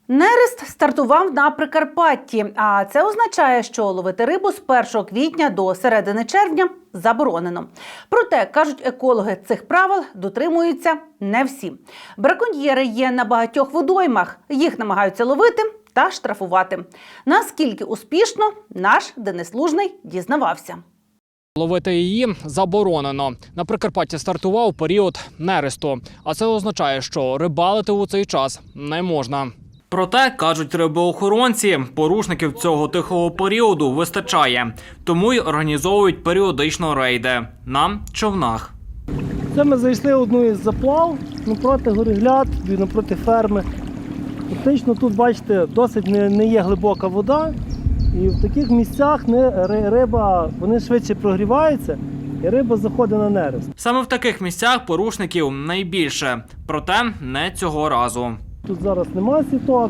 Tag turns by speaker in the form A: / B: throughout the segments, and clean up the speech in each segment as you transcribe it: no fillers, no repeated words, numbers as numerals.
A: Нерест стартував на Прикарпатті, а це означає, що ловити рибу з 1 квітня до середини червня заборонено. Проте, кажуть екологи, цих правил дотримуються не всі. Браконьєри є на багатьох водоймах, їх намагаються ловити та штрафувати. Наскільки успішно, наш Денис Лужний дізнавався.
B: Ловити її заборонено. На Прикарпатті стартував період нересту, а це означає, що рибалити у цей час не можна. Проте, кажуть рибоохоронці, порушників цього тихого періоду вистачає. Тому й організовують періодично рейди на човнах.
C: Це ми зайшли одну із заплав напроти Горегляд, напроти ферми. Фактично тут, бачите, досить не є глибока вода. І в таких місцях риба, вони швидше прогріваються і риба заходить на нерест.
B: Саме в таких місцях порушників найбільше. Проте не цього разу.
C: Тут зараз немає сіток,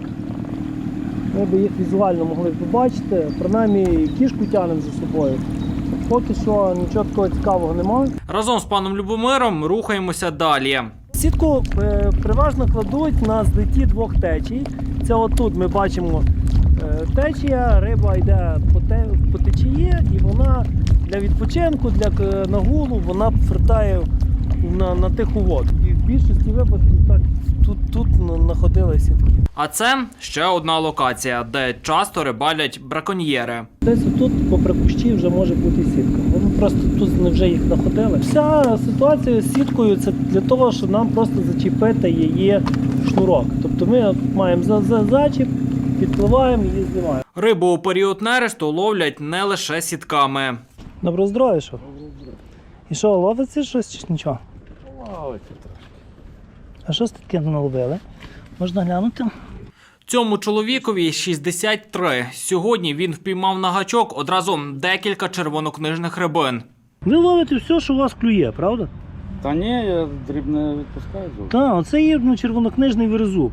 C: ми б їх візуально могли побачити, принаймні кішку тягнемо за собою. Поки що нічого такого цікавого немає.
B: Разом з паном Любомиром рухаємося далі.
C: Сітку переважно кладуть на злеті двох течій. Це отут ми бачимо течія, риба йде по течії і вона для відпочинку, для нагулу, вона фертає на тиху воду. І в більшості випадків так тут знаходили сітки.
B: А це ще одна локація, де часто рибалять браконьєри.
C: Десь тут попри кущі вже може бути сітка. Вони просто тут вже їх знаходили. Вся ситуація з сіткою – це для того, щоб нам просто зачепити її шнурок. Тобто ми маємо зачіп, підпливаємо і знімаємо.
B: Рибу у період нересту ловлять не лише сітками.
C: Доброго здоров'я, що? І що, ловиться щось чи нічого?
D: Ловиться трохи.
C: А що таке наловили? Можна глянути?
B: Цьому чоловікові 63. Сьогодні він впіймав на гачок одразу декілька червонокнижних рибин.
C: Ви ловите все, що у вас клює, правда?
D: Та ні, я дрібне відпускаю зовсім.
C: Так, оце є червонокнижний верезуб.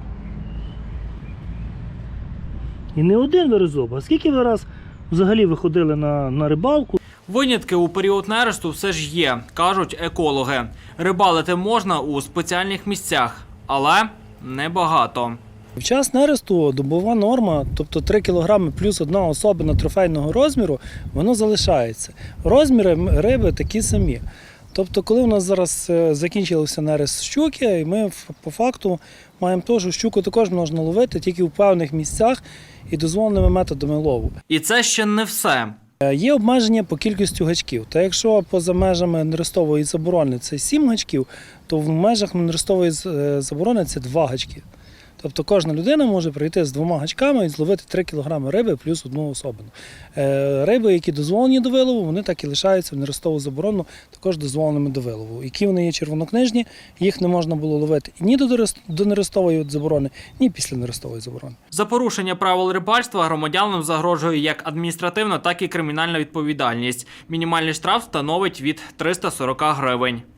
C: І не один верезуб, а скільки ви раз взагалі виходили на рибалку?
B: Винятки у період нересту все ж є, кажуть екологи. Рибалити можна у спеціальних місцях, але небагато.
C: В час нересту добова норма, тобто 3 кг плюс одна особина трофейного розміру, воно залишається. Розміри риби такі самі. Тобто, коли у нас зараз закінчився нерест щуки, і ми по факту маємо те, що щуку також можна ловити тільки в певних місцях і дозволеними методами лову.
B: І це ще не все.
C: Є обмеження по кількості гачків. Та якщо поза межами нерестової заборони це 7 гачків, то в межах нерестової заборони це 2 гачки. Тобто кожна людина може прийти з 2 гачками і зловити 3 кг риби плюс одну особину. Риби, які дозволені до вилову, вони так і лишаються в нерестову заборону, також дозволеними до вилову. Які вони є червонокнижні, їх не можна було ловити ні до нерестової заборони, ні після нерестової заборони.
B: За порушення правил рибальства громадянам загрожує як адміністративна, так і кримінальна відповідальність. Мінімальний штраф становить від 340 гривень.